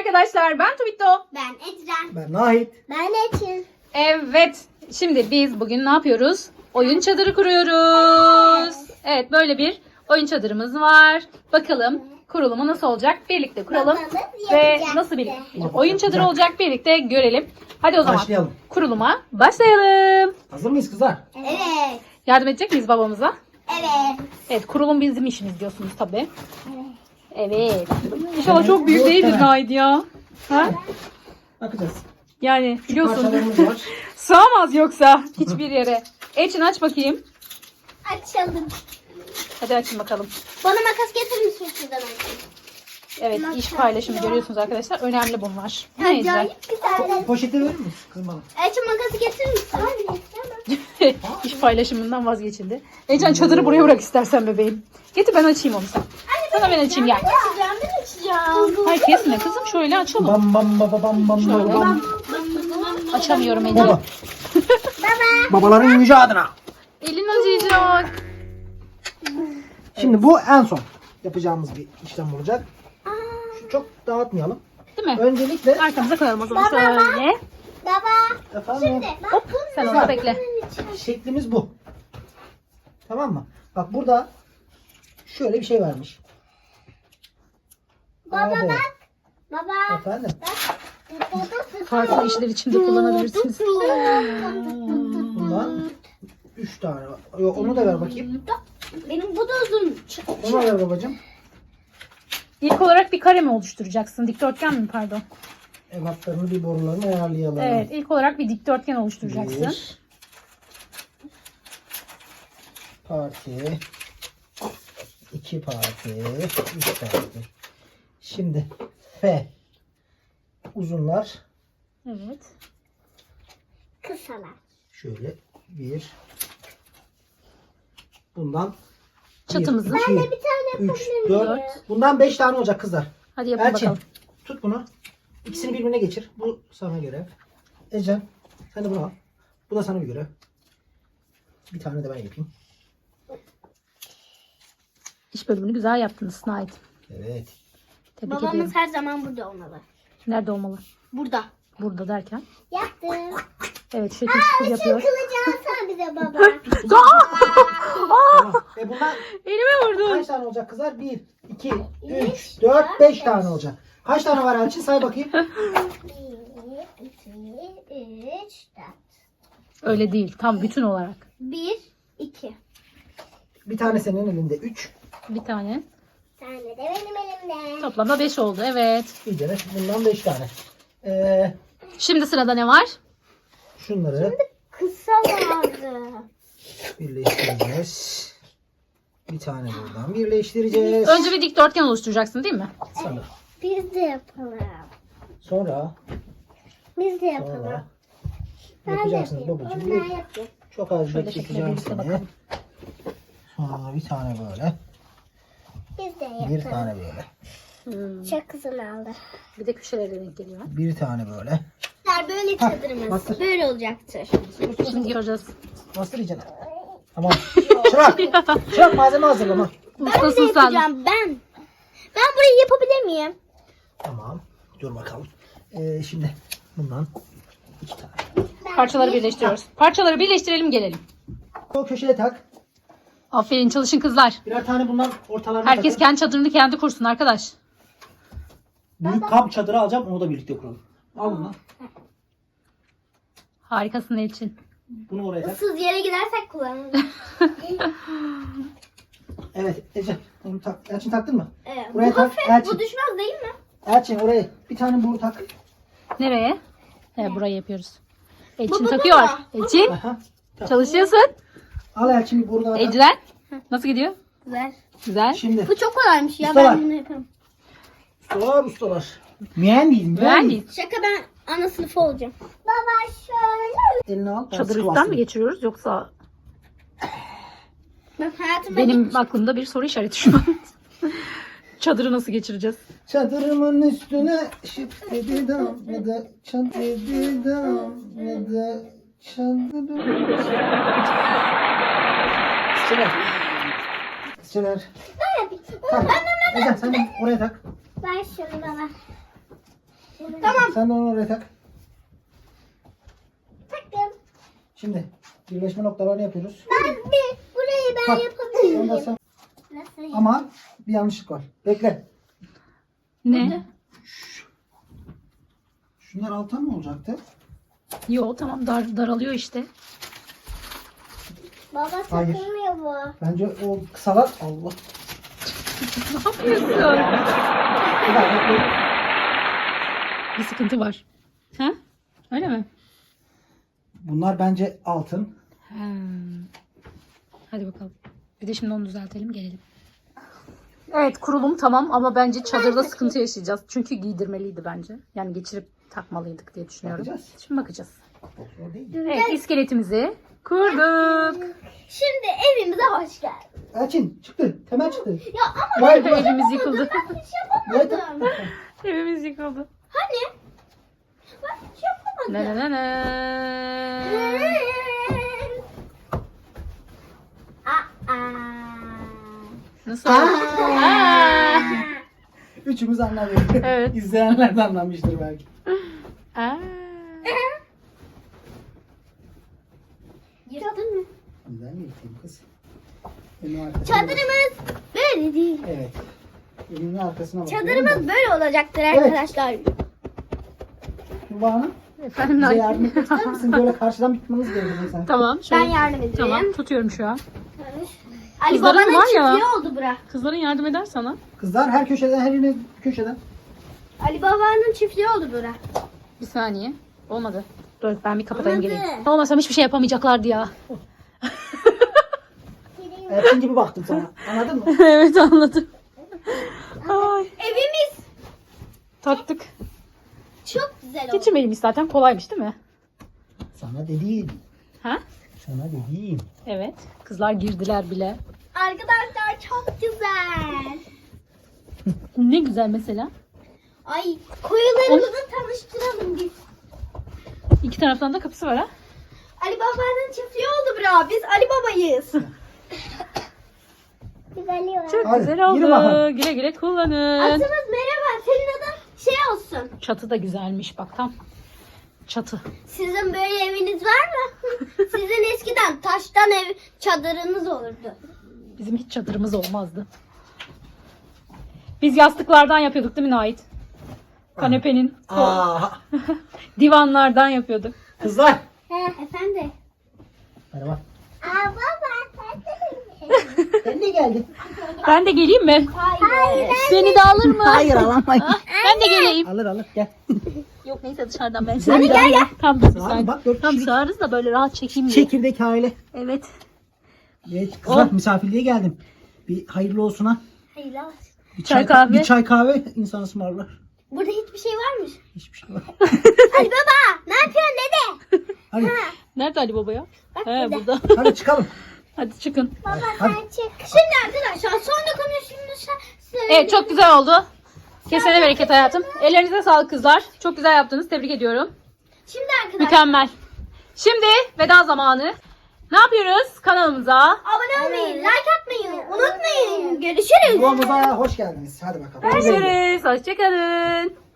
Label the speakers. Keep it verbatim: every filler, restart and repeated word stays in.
Speaker 1: arkadaşlar, ben Tuvito.
Speaker 2: Ben Ecren.
Speaker 3: Ben Nahit.
Speaker 2: Ben Eçin.
Speaker 1: Evet, şimdi biz bugün ne yapıyoruz? Oyun çadırı kuruyoruz. Evet, böyle bir oyun çadırımız var. Bakalım kurulumu nasıl olacak? Birlikte kuralım.
Speaker 2: Bakalım
Speaker 1: Ve
Speaker 2: yapacak
Speaker 1: nasıl bir
Speaker 2: mı?
Speaker 1: oyun çadırı olacak birlikte görelim. Hadi o zaman
Speaker 3: Başlayalım.
Speaker 1: kuruluma başlayalım.
Speaker 3: Hazır mıyız kızlar?
Speaker 2: Evet.
Speaker 1: Yardım edecek miyiz babamıza?
Speaker 2: Evet.
Speaker 1: Evet, kurulum bizim işimiz diyorsunuz tabii. Evet. İnşallah çok büyük değildir Nahit ya. Ha?
Speaker 3: Bakacağız.
Speaker 1: Yani biliyorsun
Speaker 3: Parçalarımız var.
Speaker 1: sığamaz yoksa hiçbir yere. Elçin aç bakayım.
Speaker 2: Açalım.
Speaker 1: Hadi açın bakalım.
Speaker 2: Bana makas getirir misin şuradan açayım?
Speaker 1: Evet, iş paylaşımı görüyorsunuz arkadaşlar. Önemli bunlar. Ne
Speaker 2: Acayip güzel.
Speaker 3: Poşeti verir misin kızım bana?
Speaker 2: Elçin makası getirir misin? Hayır.
Speaker 1: İş paylaşımından vazgeçildi. Elçin çadırı buraya bırak istersen bebeğim. Getir ben açayım onu sen. Sana ben açayım gel.
Speaker 2: Açacağım ben açacağım.
Speaker 1: Hayır kesme kızım, şöyle açalım.
Speaker 3: Bam bam bam bam bam
Speaker 1: Şöyle.
Speaker 3: bam.
Speaker 1: Açamıyorum Elçin.
Speaker 3: Baba.
Speaker 2: Baba.
Speaker 3: Babaların yüce adına.
Speaker 1: Elin acıyacak.
Speaker 3: Şimdi bu en son yapacağımız bir işlem olacak. Şu çok dağıtmayalım.
Speaker 1: Değil mi?
Speaker 3: Öncelikle
Speaker 1: Arkamıza koyalım o zaman şöyle.
Speaker 2: Baba.
Speaker 3: efendim
Speaker 2: Şimdi bak
Speaker 1: Hop, sen orada bekle.
Speaker 3: şeklimiz bu. Tamam mı? Bak burada şöyle bir şey vermiş.
Speaker 2: Baba
Speaker 3: Abo.
Speaker 2: bak. Baba.
Speaker 3: Efendim.
Speaker 1: Farklı işler için de kullanabilirsiniz.
Speaker 3: Bundan üç tane var. Yok, onu da ver bakayım.
Speaker 2: Benim bu da uzun.
Speaker 3: Onu da ver babacığım.
Speaker 1: İlk olarak bir kare mi oluşturacaksın? Dikdörtgen mi pardon?
Speaker 3: Ebatlarını bir borularını ayarlayalım.
Speaker 1: Evet, ilk olarak bir dikdörtgen oluşturacaksın.
Speaker 3: Bir parti, iki parti, üç parti. Şimdi F uzunlar
Speaker 1: Evet.
Speaker 2: Kısalar.
Speaker 3: şöyle bir, bundan
Speaker 1: Çatımızı.
Speaker 3: bir, iki,
Speaker 2: Bir tane
Speaker 3: üç, dört. Bundan beş tane olacak kızlar.
Speaker 1: Hadi yapın
Speaker 3: Elçin
Speaker 1: bakalım.
Speaker 3: tut bunu. İkisini birbirine geçir. Bu sana görev. Ecem sen de bunu al. Bu da sana bir görev. Bir tane de ben yapayım.
Speaker 1: İş bölümünü güzel yaptınız Nahit.
Speaker 3: Evet.
Speaker 1: Tebrik
Speaker 2: Babamız
Speaker 1: ediyorum.
Speaker 2: her zaman burada olmalı.
Speaker 1: Nerede olmalı?
Speaker 2: Burada.
Speaker 1: Burada derken.
Speaker 2: Yaptım.
Speaker 1: Evet, şekil şukul yapıyor.
Speaker 2: Kılıcı alsana bize baba.
Speaker 3: Tamam. E bundan
Speaker 1: Elime vurdu.
Speaker 3: kaç tane olacak kızlar? bir, iki, üç, dört, beş tane olacak. Kaç tane var Elçin? Say bakayım.
Speaker 2: bir, iki, üç, dört.
Speaker 1: Öyle değil. Tam bütün olarak.
Speaker 2: Bir, iki.
Speaker 3: Bir tane senin elinde üç.
Speaker 1: Bir tane.
Speaker 2: Bir tane de benim elimde.
Speaker 1: Toplamda beş oldu. Evet.
Speaker 3: Bir de bundan beş tane. Ee,
Speaker 1: Şimdi sırada ne var?
Speaker 3: şunları
Speaker 2: Kısa vardı.
Speaker 3: birleştireceğiz. Bir tane buradan birleştireceğiz.
Speaker 1: Önce bir dikdörtgen oluşturacaksın değil mi?
Speaker 3: Sonra.
Speaker 2: Biz de yapalım.
Speaker 3: Sonra.
Speaker 2: Biz de yapalım.
Speaker 3: Sonra.
Speaker 2: Ben de
Speaker 3: Yapacaksınız
Speaker 2: yapayım.
Speaker 3: babacığım.
Speaker 2: Onlar
Speaker 3: Bir,
Speaker 2: yapıyor.
Speaker 3: çok az
Speaker 1: Şöyle
Speaker 3: bekleteceğim
Speaker 1: şekilde
Speaker 3: seni.
Speaker 1: bakalım.
Speaker 3: Sonra bir tane böyle.
Speaker 2: Biz de yapalım.
Speaker 3: Bir tane böyle.
Speaker 1: Hmm.
Speaker 2: Çok kızın aldı.
Speaker 1: Bir de köşelere denk geliyor.
Speaker 3: Bir tane böyle.
Speaker 2: Böyle çadırımız.
Speaker 3: bastır.
Speaker 2: Böyle olacaktır.
Speaker 1: Şimdi göreceğiz.
Speaker 3: Bastır iyicene. Tamam. Çırak. Çırak malzeme hazırlama.
Speaker 2: Ben de
Speaker 1: Ustasın sen.
Speaker 2: yapacağım ben. Ben burayı yapabilir miyim?
Speaker 3: Tamam. Dur bakalım. Ee, şimdi bundan iki tane.
Speaker 1: Parçaları birleştiriyoruz. Parçaları birleştirelim gelelim.
Speaker 3: O köşeye tak.
Speaker 1: Aferin, çalışın kızlar.
Speaker 3: Birer tane bundan ortalarına
Speaker 1: Herkes
Speaker 3: takın.
Speaker 1: kendi çadırını kendi kursun arkadaş.
Speaker 3: Büyük kamp çadırı alacağım. Onu da birlikte kuralım. Al bunu.
Speaker 1: Harikasın Elçin.
Speaker 3: Bunu oraya tak.
Speaker 2: Issız yere gidersek kullanırız.
Speaker 3: Evet Ece. Onu tak. Elçin taktın mı?
Speaker 2: Evet.
Speaker 3: Buraya
Speaker 2: Bu
Speaker 3: tak.
Speaker 2: hafif,
Speaker 3: Elçin.
Speaker 2: bu düşmez değil mi?
Speaker 3: Elçin oraya bir tane boru tak.
Speaker 1: Nereye? He, burayı yapıyoruz. Elçin
Speaker 2: Baba,
Speaker 1: takıyor.
Speaker 2: baba.
Speaker 1: Elçin
Speaker 3: Aha. Tak.
Speaker 1: çalışıyorsun.
Speaker 3: Al Elçin bir boru daha tak.
Speaker 1: Ecren nasıl gidiyor?
Speaker 2: Güzel.
Speaker 1: Güzel.
Speaker 3: Şimdi
Speaker 2: Bu çok kolaymış ya.
Speaker 3: Ustalar.
Speaker 2: Ben bunu yaparım.
Speaker 3: ustalar ustalar. Mühendis
Speaker 1: Mühendis.
Speaker 2: Şaka, ben ana sınıfı olacağım. Baba şöyle.
Speaker 3: Elini al. ben
Speaker 1: Çadır
Speaker 3: sıkı
Speaker 1: üstten
Speaker 3: bastırayım.
Speaker 1: mi geçiriyoruz yoksa
Speaker 2: Ben hayatımda
Speaker 1: benim aklımda bir soru işareti şu an. Çadırı nasıl geçireceğiz?
Speaker 3: Çadırımın üstüne şıp dedi damladı. Çan dedi damladı. Çadırım. Kızçeler. Kızçeler.
Speaker 2: ben yapayım.
Speaker 3: Tak. Ece sen de oraya tak.
Speaker 2: Ver şunu bana. Tamam.
Speaker 3: Sen de onu oraya tak.
Speaker 2: Taktım.
Speaker 3: Şimdi birleşme noktalarını yapıyoruz.
Speaker 2: Ben bir burayı ben
Speaker 3: Tak.
Speaker 2: yapabilirim.
Speaker 3: Ondan sonra-
Speaker 2: Nasıl?
Speaker 3: Ama bir yanlışlık var. Bekle.
Speaker 1: Ne?
Speaker 3: Şunlar alta mı olacaktı?
Speaker 1: Yo tamam dar, daralıyor işte.
Speaker 2: Baba
Speaker 3: Hayır.
Speaker 2: takılmıyor bu.
Speaker 3: Bence o kısalar Allah.
Speaker 1: Ne yapıyorsun?
Speaker 3: Bir daha bekle.
Speaker 1: Bir sıkıntı var. Ha? Öyle mi?
Speaker 3: Bunlar bence altın.
Speaker 1: Hmm. Hadi bakalım. Bir de şimdi onu düzeltelim gelelim. Evet kurulum tamam ama bence çadırda sıkıntı yaşayacağız. Çünkü giydirmeliydi bence. Yani geçirip takmalıydık diye düşünüyorum.
Speaker 3: Bakacağız.
Speaker 1: Şimdi bakacağız.
Speaker 3: Zor değil.
Speaker 1: Evet iskeletimizi kurduk.
Speaker 2: Şimdi evimize hoş geldin.
Speaker 3: Elçin çıktı. Temel çıktı.
Speaker 2: Ya ama
Speaker 3: Vay vay.
Speaker 1: Evimiz yıkıldı.
Speaker 2: ben hiç
Speaker 3: Vay
Speaker 2: yapamadım.
Speaker 1: Evimiz yıkıldı.
Speaker 2: Hani? Ben hiç yapamadım.
Speaker 1: Ne ne ne ne.
Speaker 2: Aa.
Speaker 1: Nasıl oldu? Aa.
Speaker 3: Üçümüz anlamıyor.
Speaker 1: Evet.
Speaker 3: İzleyenler de anlamıştır belki.
Speaker 1: Aa.
Speaker 2: Yırttın mı?
Speaker 3: Güzel mi yıkayım kız? Elinin arkasına bak.
Speaker 2: Çadırımız böyle değil.
Speaker 3: Evet. Elinin arkasına bak.
Speaker 2: Çadırımız böyle olacaktır arkadaşlar.
Speaker 3: Tuba Hanım
Speaker 1: Efendim
Speaker 3: bize
Speaker 1: Nail.
Speaker 3: yardım etmek ister misin? Böyle karşıdan bitmemiz gerekiyor sen.
Speaker 1: Tamam.
Speaker 2: Ben
Speaker 1: Şöyle.
Speaker 2: yardım edeyim.
Speaker 1: Tamam tutuyorum şu an.
Speaker 2: Ali
Speaker 1: Kızların
Speaker 2: babanın
Speaker 1: var ya.
Speaker 2: çiftliği oldu bura.
Speaker 1: Kızların yardım eder sana.
Speaker 3: Kızlar her köşeden her yerine köşeden.
Speaker 2: Ali babanın çiftliği oldu bura.
Speaker 1: Bir saniye. Olmadı. Dur ben bir kapatayım
Speaker 2: Olmadı.
Speaker 1: geleyim. Olmasam hiçbir şey yapamayacaklardı ya.
Speaker 3: Elçin gibi baktım sana. Anladın mı?
Speaker 1: Evet anladım. Ay,
Speaker 2: Evimiz
Speaker 1: taktık.
Speaker 2: çok güzel oldu.
Speaker 1: Geçirmeliymiş zaten kolaymış değil mi?
Speaker 3: Sana dediğim.
Speaker 1: Ha?
Speaker 3: Sana dediğim.
Speaker 1: Evet. Kızlar girdiler bile.
Speaker 2: Arkadaşlar çok güzel.
Speaker 1: Ne güzel mesela.
Speaker 2: Ay koyularımızı tanıştıralım biz.
Speaker 1: İki taraftan da kapısı var ha.
Speaker 2: Ali babanın çiftliği oldu bura. Biz Ali babayız. Biz Ali babayız.
Speaker 1: Çok
Speaker 3: Hadi,
Speaker 1: güzel
Speaker 3: yürü
Speaker 1: oldu.
Speaker 3: bakalım.
Speaker 1: Güle güle kullanın.
Speaker 2: Atımız merhaba. Senin adın şey olsun.
Speaker 1: Çatı da güzelmiş bak tam. Çatı.
Speaker 2: Sizin böyle eviniz var mı? Sizin eskiden taştan ev çadırınız olurdu.
Speaker 1: Bizim hiç çadırımız olmazdı. Biz yastıklardan yapıyorduk değil mi Nait? Kanepenin
Speaker 3: Aa,
Speaker 1: divanlardan yapıyorduk.
Speaker 3: kızlar.
Speaker 2: He efendim.
Speaker 3: Merhaba.
Speaker 2: Aa baba
Speaker 3: Sen de geldin.
Speaker 1: Ben de geleyim mi?
Speaker 2: Hayır.
Speaker 1: Beni de alır mı?
Speaker 3: Hayır alamayız.
Speaker 1: Ben de geleyim.
Speaker 3: alır alır gel.
Speaker 1: Yok neyse dışarıdan ben
Speaker 3: Hadi
Speaker 1: gel gel. Tam bir
Speaker 3: Abi
Speaker 1: saniye.
Speaker 3: bak dört
Speaker 1: Tam
Speaker 3: kişilik
Speaker 1: sığarız da böyle rahat çekeyim diye.
Speaker 3: çekirdek aile.
Speaker 1: Evet.
Speaker 3: Evet kızlar
Speaker 1: Oh.
Speaker 3: misafirliğe geldim. Bir hayırlı olsun ha.
Speaker 2: Hayır olsun.
Speaker 3: Bir
Speaker 1: Çay kahve.
Speaker 3: Bir çay kahve insan ısmarlar.
Speaker 2: Burada hiçbir şey varmış.
Speaker 3: Hiçbir şey var.
Speaker 2: Ali baba ne yapıyorsun dede?
Speaker 3: Hadi,
Speaker 1: Nerede Ali Baba ya?
Speaker 2: Bak
Speaker 1: He
Speaker 2: burada.
Speaker 1: burada.
Speaker 3: hadi çıkalım.
Speaker 1: Hadi çıkın.
Speaker 2: Baba
Speaker 3: Hadi.
Speaker 2: sen çık. Şimdi arkadaşlar sonra konuştuğumuz
Speaker 1: Evet çok güzel oldu. Kesene bereket hayatım. Ellerinize sağlık kızlar. Çok güzel yaptınız. Tebrik ediyorum.
Speaker 2: Şimdi arkadaşlar
Speaker 1: Mükemmel. Şimdi veda zamanı. Ne yapıyoruz kanalımıza?
Speaker 2: abone olmayı, like atmayı unutmayın. Görüşürüz.
Speaker 3: Yuvamıza hoş geldiniz. Hadi bakalım.
Speaker 1: Görüşürüz. Hoşçakalın.